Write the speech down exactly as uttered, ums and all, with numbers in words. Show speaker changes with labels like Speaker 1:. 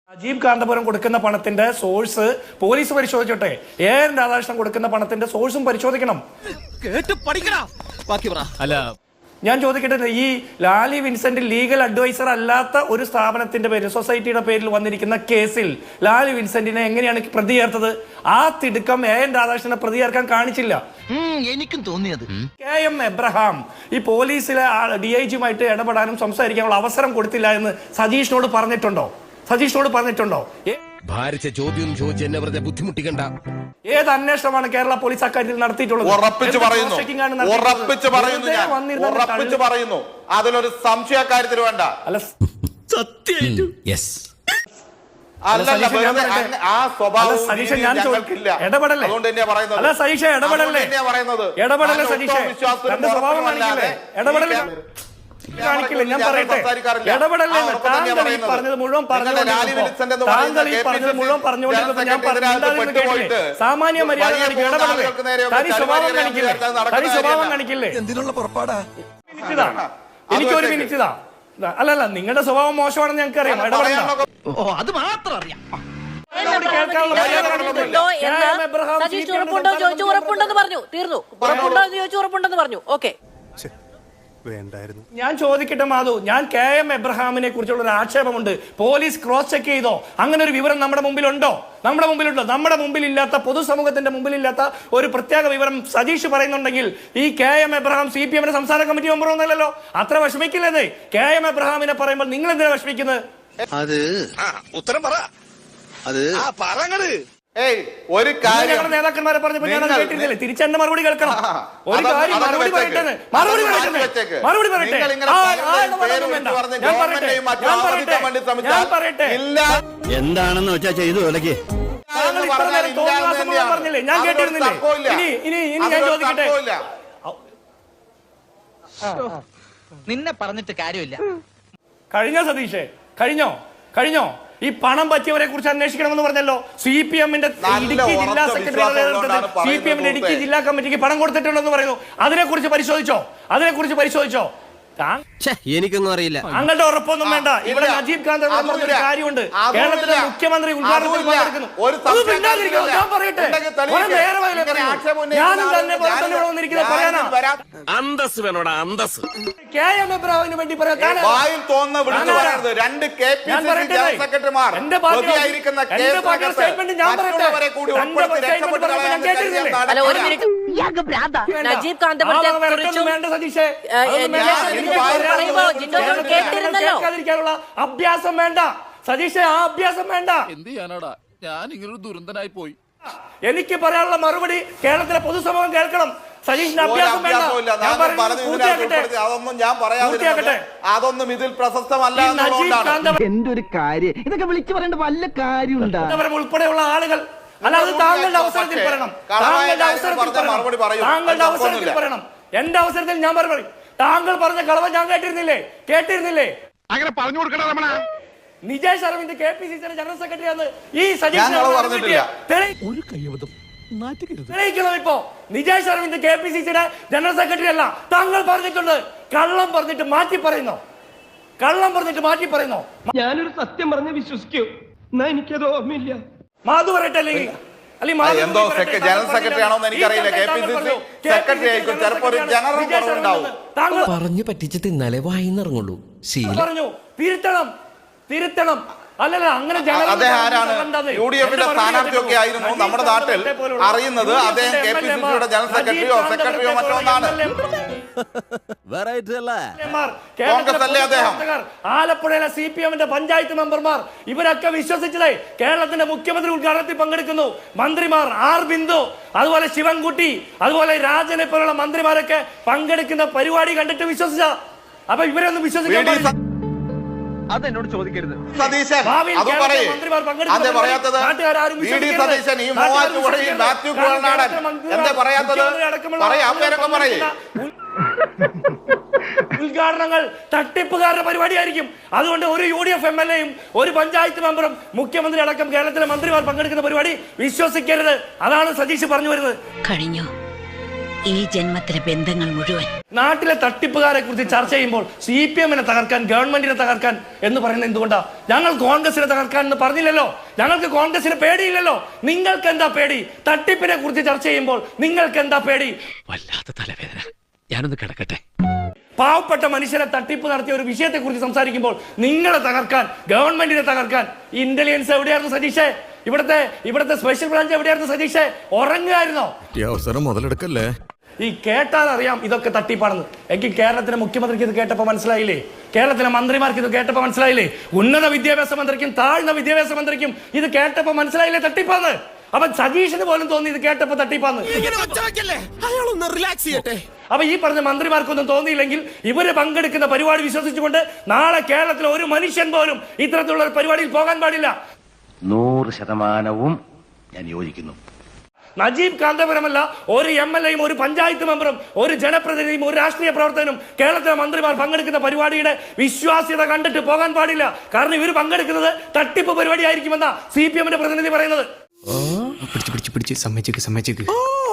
Speaker 1: രാജീവ് കാന്തപുരം കൊടുക്കുന്ന പണത്തിന്റെ source police പരിശോധിച്ചോട്ടെ. എ എൻ രാധാകൃഷ്ണൻ കൊടുക്കുന്ന പണത്തിന്റെ സോഴ്സും പരിശോധിക്കണം.
Speaker 2: അല്ല,
Speaker 1: ഞാൻ ചോദിക്കട്ടെ, ഈ ലാലി വിൻസെന്റ് ലീഗൽ അഡ്വൈസർ അല്ലാത്ത ഒരു സ്ഥാപനത്തിന്റെ പേരിൽ, സൊസൈറ്റിയുടെ പേരിൽ വന്നിരിക്കുന്ന കേസിൽ ലാലി വിൻസെന്റിനെ എങ്ങനെയാണ് പ്രതി ചേർത്തത്? ആ തിടുക്കം എ എൻ രാധാകൃഷ്ണനെ പ്രതി ചേർക്കാൻ കാണിച്ചില്ല.
Speaker 3: എനിക്കും തോന്നിയത്
Speaker 1: കെ എം എബ്രഹാം ഈ പോലീസിലെ ഡി ഐ ജിയുമായിട്ട് ഇടപെടാനും സംസാരിക്കാനുള്ള അവസരം കൊടുത്തില്ല എന്ന് സതീഷിനോട് പറഞ്ഞിട്ടുണ്ടോ? സതീഷിനോട് പറഞ്ഞിട്ടുണ്ടോ?
Speaker 4: ഭാരിച്ച ചോദ്യം ചോദിച്ച് എന്നെ വെറുതെ ബുദ്ധിമുട്ടിക്കണ്ട.
Speaker 1: ഏത് അന്വേഷണമാണ് കേരള പോലീസ് അക്കാര്യത്തിൽ നടത്തിയിട്ടുള്ളത്?
Speaker 5: ഉറപ്പിച്ചു പറയുന്നു ഉറപ്പിച്ചു പറയുന്നു ഞാൻ ഉറപ്പിച്ചു പറയുന്നു അതിലൊരു സംശയക്കാര്യത്തിൽ വേണ്ട.
Speaker 1: അല്ല,
Speaker 5: ആ സ്വഭാവം
Speaker 1: ഇടപെടല്ലേ? അല്ല സതീഷ, ഇടപെടല്ലേ? ഇടപെടല്ലേ സതീഷേ? തന്റെ സ്വഭാവം കാണിക്കില്ലേ? ഇടപെടല്ലേ കാണിക്കില്ല? ഞാൻ പറയട്ടെ, ഇടപെടല്ലേ? താങ്കൾ ഈ പറഞ്ഞത് മുഴുവൻ പറഞ്ഞുകൊണ്ടിരുന്നപ്പോ താങ്കൾ ഈ പറഞ്ഞത് മുഴുവൻ പറഞ്ഞുകൊണ്ടിരുന്നപ്പോ ഞാൻ പറഞ്ഞില്ലേ, സാമാന്യ മര്യാദ കാണിക്കും. ഇടപെടല്ലേ? തനി സ്വഭാവം കാണിക്കില്ലേ? തനി സ്വഭാവം കാണിക്കില്ലേ?
Speaker 4: എന്തിനുള്ള പുറപ്പാടാ?
Speaker 1: എനിക്കൊരു മിനിറ്റ് ഇതാ. അല്ലല്ല, നിങ്ങളുടെ സ്വഭാവം മോശമാണെന്ന് ഞങ്ങൾക്ക് അറിയാം. ഇടപെടണം.
Speaker 3: അത് മാത്രം അറിയാം.
Speaker 6: ഉറപ്പുണ്ടോ ചോദിച്ചു, ഉറപ്പുണ്ടെന്ന് പറഞ്ഞു, തീർന്നു. ഉറപ്പുണ്ടോ എന്ന് ചോദിച്ചു, ഉറപ്പുണ്ടെന്ന് പറഞ്ഞു. ഓക്കെ,
Speaker 1: ഞാൻ ചോദിക്കട്ടെ മാധു, ഞാൻ കെ എം എബ്രഹാമിനെ കുറിച്ചുള്ള ഒരു ആക്ഷേപമുണ്ട്. പോലീസ് ക്രോസ് ചെക്ക് ചെയ്തോ? അങ്ങനെ ഒരു വിവരം നമ്മുടെ മുമ്പിലുണ്ടോ? നമ്മുടെ മുമ്പിലുണ്ടോ? നമ്മുടെ മുമ്പിലില്ലാത്ത, പൊതുസമൂഹത്തിന്റെ മുമ്പിലില്ലാത്ത ഒരു പ്രത്യേക വിവരം സതീഷ് പറയുന്നുണ്ടെങ്കിൽ ഈ K M Abraham C P എമ്മിന്റെ സംസ്ഥാന കമ്മിറ്റി മെമ്പർ ഒന്നല്ലല്ലോ. അത്ര വിഷമിക്കില്ലേ കെ എം എബ്രഹാമിനെ പറയുമ്പോൾ? നിങ്ങൾ എന്തിനാ വിഷമിക്കുന്നത്?
Speaker 4: അത് ഉത്തരം പറ. അത് പറങ്ങട്.
Speaker 5: ഏയ് ഒരു കാര്യം
Speaker 1: നേതാക്കന്മാരെ പറഞ്ഞപ്പോ ഞാൻ അത് കേട്ടിരുന്നില്ലേ? തിരിച്ച് എന്റെ മറുപടി കേൾക്കണം. ഒരു കാര്യം മറുപടി പറയട്ടെ, മറുപടി പറയട്ടെ, മറുപടി പറയട്ടെ. ഞാൻ പറയട്ടെ, ഞാൻ പറയട്ടെ, ഞാൻ പറയട്ടെ.
Speaker 2: എന്താണെന്ന് വെച്ചാ ചെയ്തു വിലക്ക്.
Speaker 1: താങ്കൾ ഇത്ര നേരം തോന്നിവാസം പറഞ്ഞില്ലേ? ഞാൻ കേട്ടിരുന്നില്ലേ? ഇനി ഇനി ഇനി ഞാൻ ചോദിക്കട്ടെ,
Speaker 3: നിന്നെ പറഞ്ഞിട്ട് കാര്യമില്ല.
Speaker 1: കഴിഞ്ഞോ സതീഷേ? കഴിഞ്ഞോ? കഴിഞ്ഞോ? ഈ പണം പറ്റിയവരെ കുറിച്ച് അന്വേഷിക്കണമെന്ന് പറഞ്ഞല്ലോ. സി പി എമ്മിന്റെ ഇടുക്കി ജില്ലാ സെക്രട്ടറി സി പി എമ്മിന്റെ ഇടുക്കി ജില്ലാ കമ്മിറ്റിക്ക് പണം കൊടുത്തിട്ടുണ്ടെന്ന് പറയുന്നു. അതിനെ കുറിച്ച് പരിശോധിച്ചോ? അതിനെ കുറിച്ച് പരിശോധിച്ചോ?
Speaker 4: എനിക്കൊന്നും അറിയില്ല.
Speaker 1: താങ്കളുടെ ഉറപ്പൊന്നും വേണ്ട. ഇവിടെ നജീബ് കാന്തപുരം പറഞ്ഞൊരു കാര്യമുണ്ട്. കേരളത്തിലെ മുഖ്യമന്ത്രി ഉദ്ഘാടനത്തിൽ പങ്കെടുക്കുന്നു. ഞാൻ പറയട്ടെ, ഞാനും തന്നെ വന്നിരിക്കുന്നത് പറയാനാ.
Speaker 4: അന്തസ് വേണോടാ, അന്തസ്.
Speaker 1: കെ എം എബ്രഹാമിന് വേണ്ടി പറയാൻ
Speaker 5: രണ്ട് K P C C general സെക്രട്ടറിമാർ
Speaker 1: എന്റെ പാർട്ടിയുടെ സ്റ്റേറ്റ്മെന്റ് ഞാൻ പറയട്ടെ.
Speaker 6: നജീബ് കാന്തപുരത്തെ കുറിച്ചും
Speaker 1: വേണ്ട സതീഷേ, കേൾക്കാതിരിക്കാനുള്ള അഭ്യാസം വേണ്ട സതീഷേ. ആ അഭ്യാസം വേണ്ട.
Speaker 2: എന്ത് ചെയ്യാനാടാ, ഞാൻ ഇങ്ങനൊരു ദുരന്തനായി പോയി.
Speaker 1: എനിക്ക് പറയാനുള്ള മറുപടി കേരളത്തിലെ പൊതുസമൂഹം കേൾക്കണം. സതീഷിന്റെ അഭ്യാസം വേണ്ട.
Speaker 5: അതൊന്നും ഞാൻ പറയാതിരുന്നത് അതൊന്നും ഇതിൽ പ്രസക്തമല്ല.
Speaker 3: എന്തൊരു കാര്യം ഇതൊക്കെ വിളിച്ചു പറയേണ്ട വല്ല കാര്യമുണ്ടോ?
Speaker 1: ഉൾപ്പെടെയുള്ള ആളുകൾ, അല്ലാതെ താങ്കളുടെ അവസരത്തിൽ പറയണം. താങ്കളുടെ അവസരത്തിൽ താങ്കളുടെ അവസരത്തിൽ പറയണം. എന്റെ അവസരത്തിൽ ഞാൻ മറുപടി. താങ്കൾ പറഞ്ഞ കളവ് ഞാൻ കേട്ടിരുന്നില്ലേ? കേട്ടിരുന്നില്ലേ?
Speaker 4: അങ്ങനെ പറഞ്ഞു കൊടുക്കണം Ramana.
Speaker 1: Nijesh Aravind K P C സിയുടെ ജനറൽ സെക്രട്ടറി ആണ്. ഈ തെളിയിക്കണം. ഇപ്പോ Nijesh Aravind K P C സിയുടെ ജനറൽ സെക്രട്ടറി അല്ല. താങ്കൾ പറഞ്ഞിട്ടുണ്ട്. കള്ളം പറഞ്ഞിട്ട് മാറ്റി പറയുന്നു. കള്ളം പറഞ്ഞിട്ട് മാറ്റി പറയുന്നു.
Speaker 7: ഞാനൊരു സത്യം പറഞ്ഞ് വിശ്വസിക്കൂ. എന്നാ എനിക്കത് ഓർമ്മയില്ല.
Speaker 1: മാധു പറയട്ടെ. അല്ലെങ്കിൽ
Speaker 5: എന്തോ ജനറൽ സെക്രട്ടറി ആണോ എന്ന് എനിക്കറിയില്ല. K P C C secretary ആയിരിക്കും. ചിലപ്പോ ഒരു ജനറൽ ഉണ്ടാവും.
Speaker 4: പറഞ്ഞു പറ്റിച്ച് തിന്നാലേ വായിന്നിറങ്ങുള്ളൂ.
Speaker 1: പറഞ്ഞു തിരുത്തണം, തിരുത്തണം. അല്ലല്ല, അങ്ങനെ
Speaker 5: അദ്ദേഹം ആരാണ്? യു ഡി എഫിന്റെ സ്ഥാനാർത്ഥിയൊക്കെ ആയിരുന്നു നമ്മുടെ നാട്ടിൽ അറിയുന്നത്. അദ്ദേഹം കെ പി സി സിയുടെ ജനറൽ സെക്രട്ടറിയോ സെക്രട്ടറിയോ മറ്റോ ഒന്നാണ്. കോൺഗ്രസ് അല്ലേ അദ്ദേഹം?
Speaker 1: ആലപ്പുഴയിലെ സി പി എമ്മിന്റെ പഞ്ചായത്ത് മെമ്പർമാർ ഇവരൊക്കെ വിശ്വസിച്ചതേ കേരളത്തിന്റെ മുഖ്യമന്ത്രി ഉദ്ഘാടനത്തിൽ പങ്കെടുക്കുന്നു. മന്ത്രിമാർ ആർ ബിന്ദു, അതുപോലെ ശിവൻകുട്ടി, അതുപോലെ രാജനെ പോലുള്ള മന്ത്രിമാരൊക്കെ പങ്കെടുക്കുന്ന പരിപാടി കണ്ടിട്ട് വിശ്വസിച്ച. അപ്പൊ ഇവരൊന്നും വിശ്വസിക്കാൻ
Speaker 7: അതെന്നോട് ചോദിക്കരുത്
Speaker 5: സതീശൻ. അത് പറയേ അതെ പറയാത്തത്? വി ഡി സതീശൻ, ഈ മൂവാറ്റുപുഴയിൽ മാത്യു കുഴൽനാടൻ എന്താ പറയാത്തത്? പറയാ പേരൊക്കെ പറയേ.
Speaker 1: ഉദ്ഘാടനങ്ങൾ തട്ടിപ്പുകാരുടെ പരിപാടിയായിരിക്കും. അതുകൊണ്ട് ഒരു U D F M L എയും ഒരു പഞ്ചായത്ത് മെമ്പറും മുഖ്യമന്ത്രി അടക്കം കേരളത്തിലെ മന്ത്രിമാർ പങ്കെടുക്കുന്ന പരിപാടി വിശ്വസിക്കരുത്. അതാണ് സതീഷ് പറഞ്ഞു വരുന്നത്.
Speaker 6: കഴിഞ്ഞു ഈ ജന്മത്തിലെ ബന്ധങ്ങൾ മുഴുവൻ.
Speaker 1: നാട്ടിലെ തട്ടിപ്പുകാരെ കുറിച്ച് ചർച്ച ചെയ്യുമ്പോൾ സി പി എമ്മിനെ തകർക്കാൻ, ഗവൺമെന്റിനെ തകർക്കാൻ എന്ന് പറയുന്നത് എന്തുകൊണ്ടാ? ഞങ്ങൾ കോൺഗ്രസിനെ തകർക്കാൻ എന്ന് പറഞ്ഞില്ലല്ലോ. ഞങ്ങൾക്ക് കോൺഗ്രസിനെ പേടിയില്ലല്ലോ. നിങ്ങൾക്ക് എന്താ പേടി? തട്ടിപ്പിനെ കുറിച്ച് ചർച്ച ചെയ്യുമ്പോൾ നിങ്ങൾക്ക് എന്താ പേടി?
Speaker 4: വല്ലാത്ത തലവേദന, ഞാനൊന്ന് കിടക്കട്ടെ.
Speaker 1: പാവപ്പെട്ട മനുഷ്യരെ തട്ടിപ്പ് നടത്തിയ ഒരു വിഷയത്തെ കുറിച്ച് സംസാരിക്കുമ്പോൾ നിങ്ങളെ തകർക്കാൻ, ഗവൺമെന്റിനെ തകർക്കാൻ ഇന്റലിജൻസ് എവിടെയായിരുന്നു സതീഷേ? ഇവിടുത്തെ ഇവിടുത്തെ സ്പെഷ്യൽ ബ്രാഞ്ച് എവിടെയായിരുന്നു സതീഷേ? ഉറങ്ങുകയായിരുന്നോ?
Speaker 2: ഈ അവസരം മുതലെടുക്കല്ലേ.
Speaker 1: ഈ കേട്ടാൽ അറിയാം ഇതൊക്കെ തട്ടിപ്പാണെന്ന്. എനിക്ക് കേരളത്തിലെ മുഖ്യമന്ത്രിക്ക് ഇത് കേട്ടപ്പോൾ മനസ്സിലായില്ലേ? കേരളത്തിലെ മന്ത്രിമാർക്ക് ഇത് കേട്ടപ്പോൾ മനസ്സിലായില്ലേ? ഉന്നത വിദ്യാഭ്യാസ മന്ത്രിക്കും താഴ്ന്ന വിദ്യാഭ്യാസ മന്ത്രിക്കും ഇത് കേട്ടപ്പോൾ മനസ്സിലായില്ലേ തട്ടിപ്പാന്ന്? അപ്പൊ സതീഷിന് പോലും തോന്നി ഇത് കേട്ടപ്പോ തട്ടിപ്പാന്ന്. അപ്പൊ ഈ പറഞ്ഞ മന്ത്രിമാർക്കൊന്നും തോന്നിയില്ലെങ്കിൽ ഇവര് പങ്കെടുക്കുന്ന പരിപാടി വിശ്വസിച്ചുകൊണ്ട് നാളെ കേരളത്തിലെ ഒരു മനുഷ്യൻ പോലും ഇത്തരത്തിലുള്ള ഒരു പരിപാടിയിൽ പോകാൻ പാടില്ല.
Speaker 3: നൂറ് ശതമാനവും ഞാൻ യോജിക്കുന്നു.
Speaker 1: നജീബ് കാന്തപുരമല്ല, ഒരു എം എൽ എയും ഒരു പഞ്ചായത്ത് മെമ്പറും ഒരു ജനപ്രതിനിധിയും ഒരു രാഷ്ട്രീയ പ്രവർത്തകനും കേരളത്തിലെ മന്ത്രിമാർ പങ്കെടുക്കുന്ന പരിപാടിയുടെ വിശ്വാസ്യത കണ്ടിട്ട് പോകാൻ പാടില്ല. കാരണം ഇവർ പങ്കെടുക്കുന്നത് തട്ടിപ്പ് പരിപാടി ആയിരിക്കുമെന്നാ സി പി എമ്മിന്റെ പ്രതിനിധി പറയുന്നത്.
Speaker 8: പിടിച്ച് പിടിച്ച് പിടിച്ച് സമ്മതിച്ചേക്ക് സമ്മതിച്ചേക്ക്